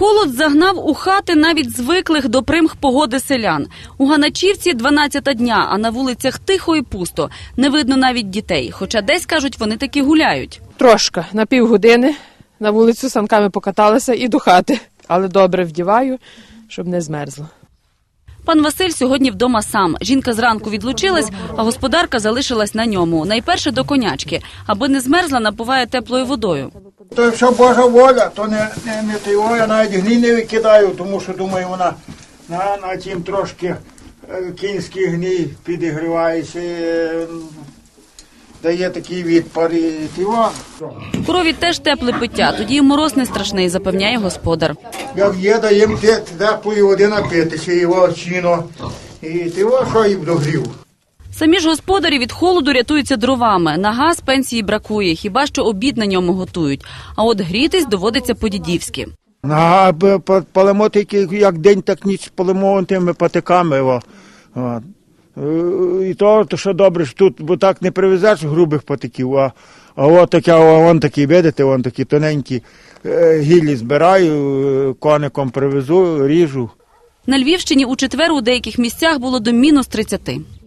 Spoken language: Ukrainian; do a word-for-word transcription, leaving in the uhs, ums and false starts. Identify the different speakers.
Speaker 1: Холод загнав у хати навіть звиклих до примх погоди селян. У Ганачівці дванадцята дня, а на вулицях тихо і пусто. Не видно навіть дітей, хоча десь, кажуть, вони таки гуляють.
Speaker 2: Трошки, на півгодини на вулицю санками покаталася і до хати. Але добре вдіваю, щоб не змерзло.
Speaker 1: Пан Василь сьогодні вдома сам. Жінка зранку відлучилась, а господарка залишилась на ньому. Найперше до конячки. Аби не змерзла, напуває теплою водою.
Speaker 3: То якщо Божа воля, то не, не, не того, я навіть гній не викидаю, тому що, думаю, вона на, на тім трошки е, кінський гній підігрівається, е, дає такий відпар і тіво.
Speaker 1: Корові теж тепле пиття, тоді і мороз не страшний, запевняє господар.
Speaker 3: Як є, даємо теплої води напитися, його чіно, і тіво, що і догрів.
Speaker 1: Самі ж господарі від холоду рятуються дровами. На газ пенсії бракує, хіба що обід на ньому готують. А от грітись доводиться по-дідівськи.
Speaker 3: А палимо тільки як день, так ніч палимо тими патиками. О. О. І то, то, що добре, що тут, бо так не привезеш грубих патиків, а, а от таке, вон такі, видите, вон такі тоненькі гіллі збираю, коником привезу, ріжу.
Speaker 1: На Львівщині у четвер у деяких місцях було до мінус тридцяти.